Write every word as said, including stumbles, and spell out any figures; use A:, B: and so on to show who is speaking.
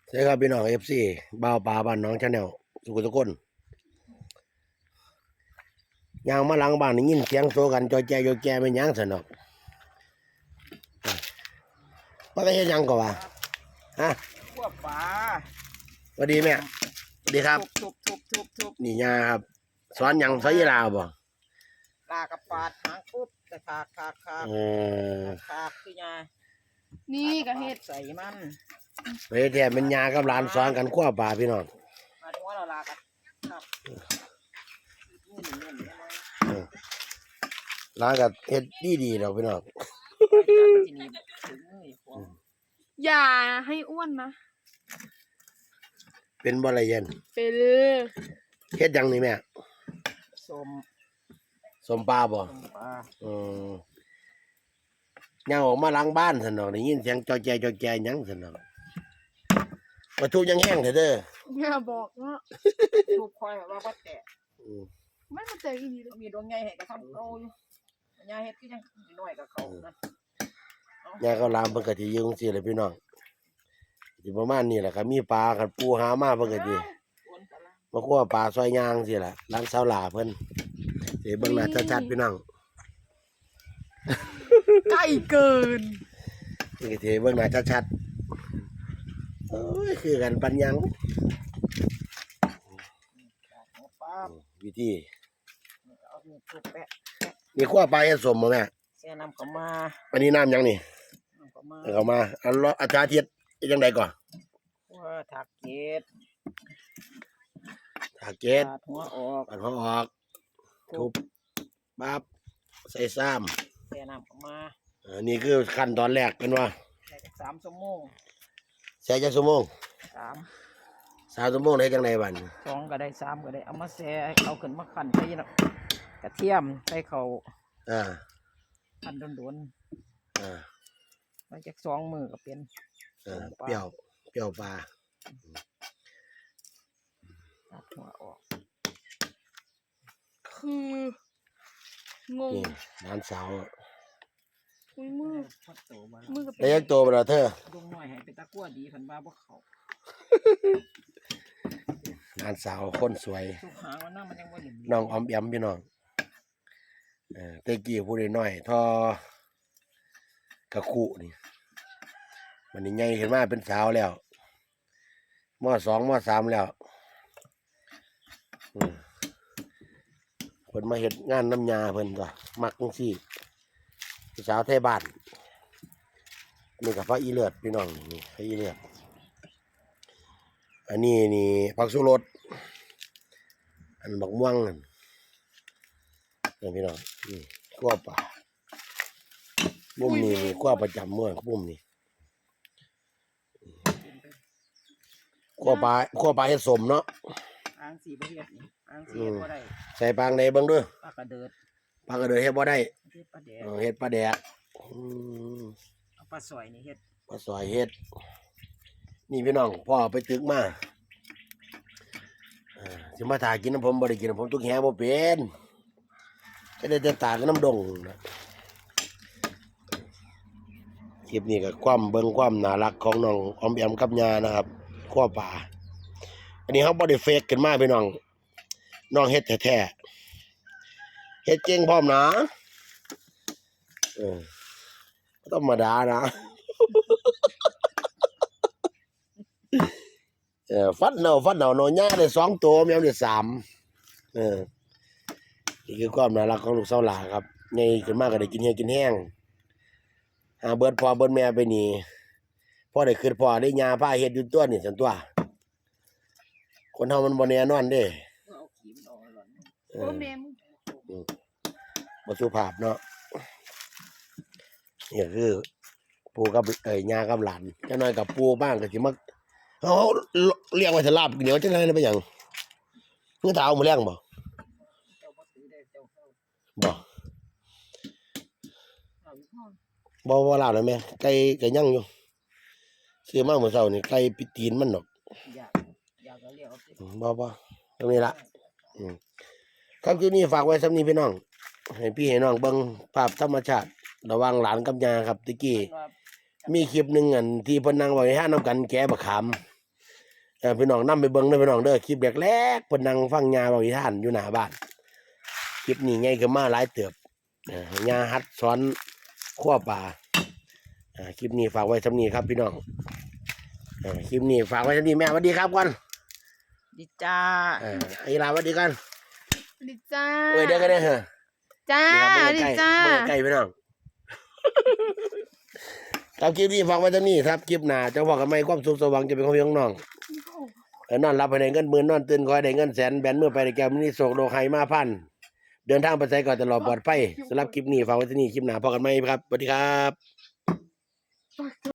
A: ใช่ครับพี่น้องเอฟซีบ่าวปลาบ้านน้องชาแนลสุขุทุกคนยางมาหลังบ้านนี่ยินเสียงโซกันจอยแจจอยแจเป็นยังสนอกว่าได้เฮ็ดหยังก็ว่าฮะ
B: พวกปลา
A: สวัสดีแม่สวัสดีครับ
B: ทุบทุบทุบทุบ
A: นี่ยาครับสอนหยังสอนยีราบ่
B: ลากับปาดหางปุ๊บแต่ขากขากขาก
A: เออ
B: ขากคือยา
C: นี่กะเฮ็ด
B: ใส่มัน
A: เฮ้ยแท้เป็นยากับหลานสอนกันขั้วปลาพี่น้อง
B: มาถึงว่าเราลากันครับ
A: หลานก็เฮ็ดดีๆดอกพี่น้อง
C: อย่าให้อ้วนนะ
A: เป็นบ่ละเย็น
C: เป็น
A: เฮ็ดหยังนี่แม่
B: ส้ม
A: ส้มปลาบ่อือยังออกมาหลังบ้านซั่นดอกได้ยินเสียงจอยแจจอยแจหยังซั่นดอกวัตถุยังแห้งเด้อเด้อ
C: อย่าบอกว่า
B: ลูกคอยแบบว่าบ่แตะ
C: ไม่มาแตะอีหลี
B: มีดวงใหญ่ให้ก็ทำโตอยู่ยาเฮ็ดคือยังน้อยกับเขานะ
A: ยาก็ลามเพิ่นก็สิอยู่จังซี่แหละพี่น้องสิประมาณนี้แหละครับมีปลาคันปูหามาเพิ่นก็สิมาคั่วปลาซอยย่างซี่ล่ะร้านสาวหลาเพิ่นสิเบิ่งหน้าชัดๆพี่น้อง
C: ใกล้เกิน
A: นี่ก็สิเบิ่งหน้าชัดๆโอ้ยคือกันปัญญังวิธีนี่คั่วปลาเฮ็ดสมบ่แม่
B: แช่น้ำเข้ามา
A: อันนี้น้ำหยังนี่
B: น้ำเข้ามา
A: เข้ามาอันอาจารย์เทียดจังได๋ก่อน
B: ว่าถักเกต
A: ถักเกต
B: หัวออก
A: อันหัวออกทุบปั๊บใส่ซ้ำ
B: แช่น้ำเข้ามา
A: อันนี้คือขั้นตอนแรกเป็นว่า
B: สามชั่วโมง
A: ใส่จักชั่วโมง
B: สาม
A: สามชั่วโมงได้จังได๋บัด
B: สองก็ได้สามก็ได้เอามาแช่เอาขึ้นมาคั่นใส่กระเทียมใส่เขา
A: อ่า
B: คั่นโดน
A: ๆอ่า
B: มาจากสองมือก็เป็น
A: เออเปรี้ยวเปรี้ยวปลา
B: ตัดหัวออก
C: คืองง
A: ร้านสาว
C: อุ้ยมือ
A: มือกับได้ยักโตบ่ล่ะเธอ
B: ดงน้อยให้เป็นตะกั่วดีเพิ่นว่าบ่เข้า
A: ร้านสาวคนสวย
B: ทุกหางมันน่ะมันยังบ่เห็น
A: น้องออมแอมพี่น้องเออแต่กี้ผู้น้อยๆทอกะคุนี่มันนี่ใหญ่ขึ้นมาเป็นสาวแล้วม.สอง ม.สาม แล้วอือเพิ่นมาเฮ็ดงานน้ำยาเพิ่นก็มักจังซี่สาวไทยบ้านนี่ก็ผักอีเลือดพี่น้องนี่ผักอีเลือดอันนี้นี่ผักชูรสอันบักม่วงนั่นนี่พี่น้องนี่คั่วปลามุมนี้นี่คั่วประจำเมื่อมุมนี้คั่วปลาคั่วปลาเฮ็ดสมเนาะ
B: อ่างสีบ่เฮ็ดนี่อ่างสีเฮ็ดบ่ได้
A: ใส่ปลาในเบิ่งเด้อ
B: ปลากระเดิด
A: ปลากระเดิดเฮ็ดบ่ได้
B: เฮ็ดปลาแดก
A: เออเฮ็ดปลาแดกอื
B: มเอาปลาสอยนี่เฮ็ด
A: ปลาสอยเฮ็ดนี่พี่น้องพ่อไปตึกมาเออสิมาถ่ายกินน้ำผมบ่ได้กินน้ำผมตุกแหบ่เป็นก็ได้แต่ตากับน้ำดงนะคลิปนี้ก็ความเบิ่งความน่ารักของน้องออมแอมกับยานะครับคั่วปลาอันนี้เขาบ่ได้เฟกขึ้นมาพี่น้องน้องเฮ็ดแท้ๆเฮ็ดเก่งพร้อมนะเออธรรมดานะเออฟัดเนาฟัดเนาน้อยย่าได้สองตัวแมวได้สามเออนี่คือความน่ารักของลูกสาวหลาครับใหญ่ขึ้นมาก็ได้กินแห้งกินแห้งหาเบิดพ่อเบิดแม่ไปนี่พ่อได้ขึ้นพ่อได้ยาพาเฮ็ดอยู่ตัวนี่ซั่นตัวคนเฮามันบ่แน่นอนเด้
B: เอาขี้มันออกหล่อน
C: โอ้แม่มึง
A: อือบ่สุภาพเนาะนี่คือปู่กับเอ้ยย่ากับหลานจังน้อยกับปู่บ้างก็สิมาเฮาเลี้ยงไว้ถ้าลาบเหนียวจังได๋เป็นหยังคือถ้าเอามาเลี้ยงบ่บ่บ่บ่ลาบแล้วแม่ไก่ก็ยังอยู่ซื้อมาเมื่อเช้านี่ไก่ปิตีนมันดอก
B: อยากอยากเอาเลี้ยงเอาสิ
A: บ่บ่ตรงนี้ล่ะอือครับคลิปนี้ฝากไว้สำนี้พี่น้องให้พี่ให้น้องเบิ่งภาพธรรมชาติระหว่างหลานกับย่าครับตะกี้มีคลิปนึงอันที่เพิ่นนั่งไว้หาน้ำกันแกะบักขามเออพี่น้องนำไปเบิ่งเด้อพี่น้องเด้อคลิปแรกๆเพิ่นนั่งฟังยาเว้านิทานอยู่หน้าบ้านคลิปนี้ใหญ่ขึ้นมาหลายเติบเออยาหัดสอนคั่วปลาอ่าคลิปนี้ฝากไว้สำนี้ครับพี่น้องเออคลิปนี้ฝากไว้สำนี้แม่สวัสดีครับก่อน
B: ดีจ้า
A: เออไอ้ลาสวัสดีกัน
C: ดีจ้า
A: เอ้ยเด้อกันเด้อเหรอ
C: จ้า
A: นี่ครับ
C: ดีจ้า
A: เบิ่งใกล้ๆเบิ่งใกล้ๆพี่น้อง ครับคลิปนี้ฝากไว้สำนี้ครับคลิปหน้าเจ้าพ่อกับไม่ความสุขสว่างจะเป็นของพี่ของน้องเออนอนหลับไปได้เงินหมื่นนอนตื่นคอยได้เงินแสนแบนเมื่อไปได้แก้วมินิโศกโลกไฮมาพันเดินทางไปไสก่อนตลอดปลอดภัยสำหรับคลิปนี้ฝากไว้ที่นี่คลิปหน้าพอกันไหมครับสวัสดีครับ